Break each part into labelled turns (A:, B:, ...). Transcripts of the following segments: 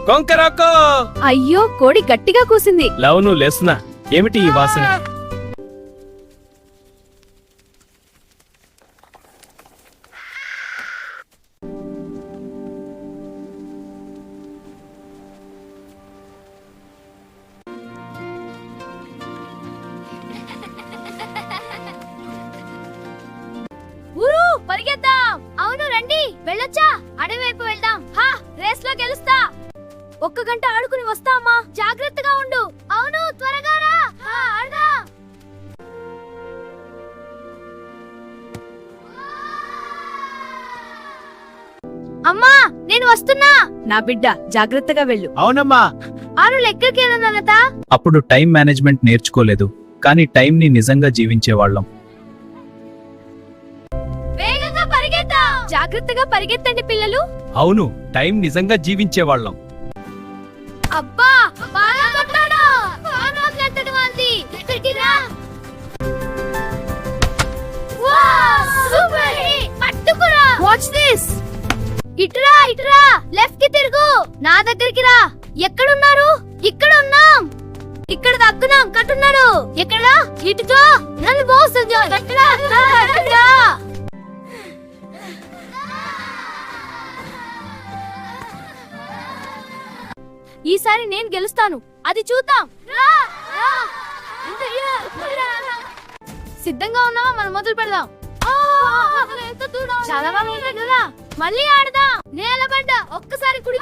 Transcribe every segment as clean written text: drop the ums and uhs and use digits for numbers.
A: కొంకరాకో.
B: అయ్యో, కోడి గట్టిగా కూసింది.
A: లవను లేస్తున్నా. ఏమిటి ఈ వాసన?
B: ఊరు పరిగెత్తాం. అవును రండి, వెళ్ళొచ్చా? అడవి వైపు వెళ్దాం. హా, రేస్ లో గెలుస్తా. 1 గంట ఆడుకుని వస్తామా? జాగ్రత్తగా ఉండు. అవును, త్వరగా రా. ఆడదాం. అమ్మా, నేను వస్తున్నా. నా బిడ్డ జాగ్రత్తగా వెళ్ళు.
C: అవునమ్మా.
B: 6 లెక్కకి ఏనన్నత.
C: అప్పుడు టైం మేనేజ్మెంట్ నేర్చుకోలేదు, కానీ టైం ని నిజంగా జీవించేవాళ్ళం.
B: వేగంగా పరిగెత్తాం. జాగ్రత్తగా పరిగెత్తండి పిల్లలు.
A: అవును, టైం నిజంగా జీవించేవాళ్ళం.
B: అబ్బా, బాగా కొట్టాడు. ఫోన్ వదిలేత్తడు వాంది. ఇక్కడికి రా. Wow, super hit. పట్టుకురా. Watch this. ఇటురా, ఇటురా. లెఫ్ట్ కి తిరుగు. నా దగ్గరికి రా. ఎక్కడున్నారు? ఇక్కడ ఉన్నాం. ఇక్కడ దక్కున్నాం. కట్టున్నాడు. ఎక్కడ? ఇటుతో. నన్ను మోసం చేయొద్దు. ఈసారి నేను గెలుస్తాను. అది చూద్దాం. సిద్ధంగా ఉన్నావా? మనం మొదలు పెడదాం. చాలా బాగుంది కదా. మళ్ళీ ఆడదాం. నేలబడ్డ. ఒక్కసారి కుడి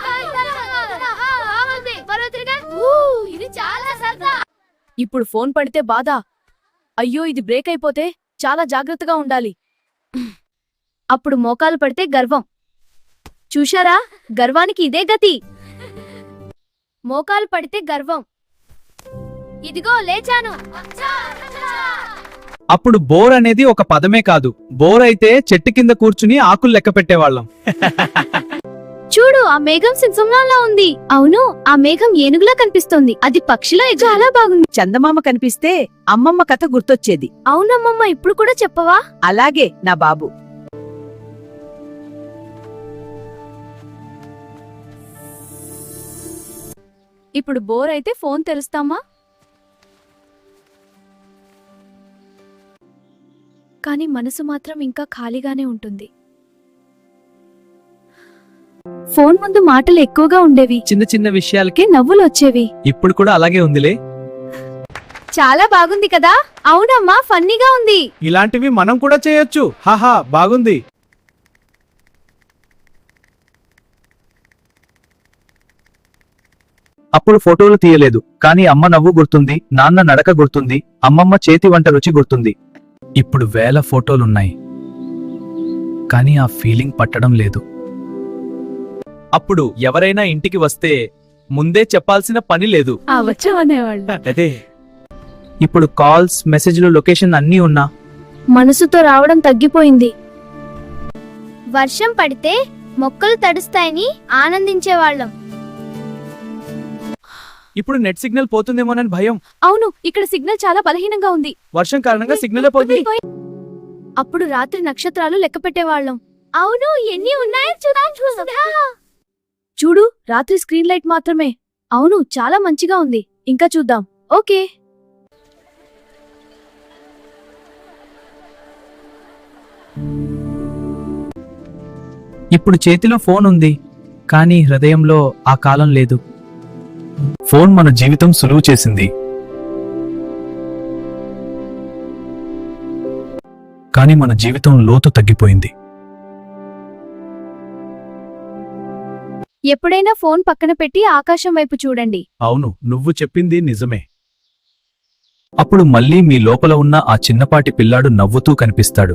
B: ఇది చాలా సరదా. ఇప్పుడు ఫోన్ పడితే బాధ. అయ్యో, ఇది బ్రేక్ అయిపోతే చాలా జాగ్రత్తగా ఉండాలి. అప్పుడు మోకాలు పడితే గర్వం. చూశారా, గర్వానికి ఇదే గతి. మోకాలు పడితే గర్వం. ఇదిగో లేచాను.
C: అప్పుడు బోర్ అనేది ఒక పదమే కాదు, బోర్ అయితే చెట్టు కింద కూర్చుని ఆకులు లెక్క పెట్టేవాళ్ళం.
B: చూడు, ఆ మేఘం సింహంలా ఉంది. అవును, ఆ మేఘం ఏనుగులా కనిపిస్తోంది. అది పక్షిలా చాలా బాగుంది.
D: చందమామ కనిపిస్తే అమ్మమ్మ కథ గుర్తొచ్చేది.
B: అవునమ్మమ్మ, ఇప్పుడు కూడా చెప్పవా?
D: అలాగే నా బాబు.
B: ఇప్పుడు బోర్ అయితే ఫోన్ తెరుస్తామా? కానీ మనసు మాత్రం ఇంకా ఖాళీగానే ఉంటుంది. ఫోన్ ముందు మాటలు ఎక్కువగా ఉండేవి.
C: చిన్న చిన్న విషయాలకి
B: నవ్వులు వచ్చేవి.
C: ఇప్పుడు కూడా అలాగే ఉందిలే.
B: చాలా బాగుంది కదా. అవునమ్మా, ఫన్నీగా ఉంది.
C: ఇలాంటివి మనం కూడా చేయొచ్చు. హాహా, బాగుంది. అప్పుడు ఫోటోలు తీయలేదు, కానీ అమ్మ నవ్వు గుర్తుంది, నాన్న నడక గుర్తుంది, అమ్మమ్మ చేతి వంట రుచి గుర్తుంది. ఇప్పుడు వేల ఫోటోలున్నాయి, కానీ ఆ ఫీలింగ్ పట్టడం లేదు. అప్పుడు ఎవరైనా ఇంటికి వస్తే ముందే చెప్పాల్సిన పని లేదు. అదే ఇప్పుడు కాల్స్, మెసేజ్లు, లొకేషన్ అన్నీ ఉన్నా
B: మనసుతో రావడం తగ్గిపోయింది. వర్షం పడితే మొక్కలు తడుస్తాయని ఆనందించేవాళ్ళం.
C: ఇప్పుడు నెట్ సిగ్నల్ పోతుందేమోనని భయం.
B: అవును, ఇక్కడ సిగ్నల్ చాలా బలహీనంగా ఉంది.
C: వర్షం కారణంగా సిగ్నల్ పోతుంది.
B: అప్పుడు రాత్రి నక్షత్రాలు లెక్క పెట్టేవాళ్ళం. అవును, ఎన్ని ఉన్నాయో చూద్దాం. చూడు, రాత్రి స్క్రీన్ లైట్ మాత్రమే. అవును, చాలా మంచిగా ఉంది. ఇంకా చూద్దాం. ఓకే.
C: ఇప్పుడు చేతిలో ఫోన్ ఉంది, కానీ హృదయంలో ఆ కాలం లేదు. ఫోన్ మన జీవితం సులువు చేసింది, కానీ మన జీవితం లోతు తగ్గిపోయింది.
B: ఎప్పుడైనా ఫోన్ పక్కన పెట్టి ఆకాశం వైపు చూడండి.
C: అవును, నువ్వు చెప్పింది నిజమే. అప్పుడు మళ్ళీ మీ లోపల ఉన్న ఆ చిన్నపాటి పిల్లాడు నవ్వుతూ కనిపిస్తాడు.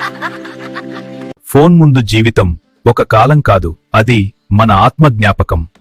C: ఫోన్ ముందు జీవితం ఒక కాలం కాదు, అది మన ఆత్మ జ్ఞాపకం.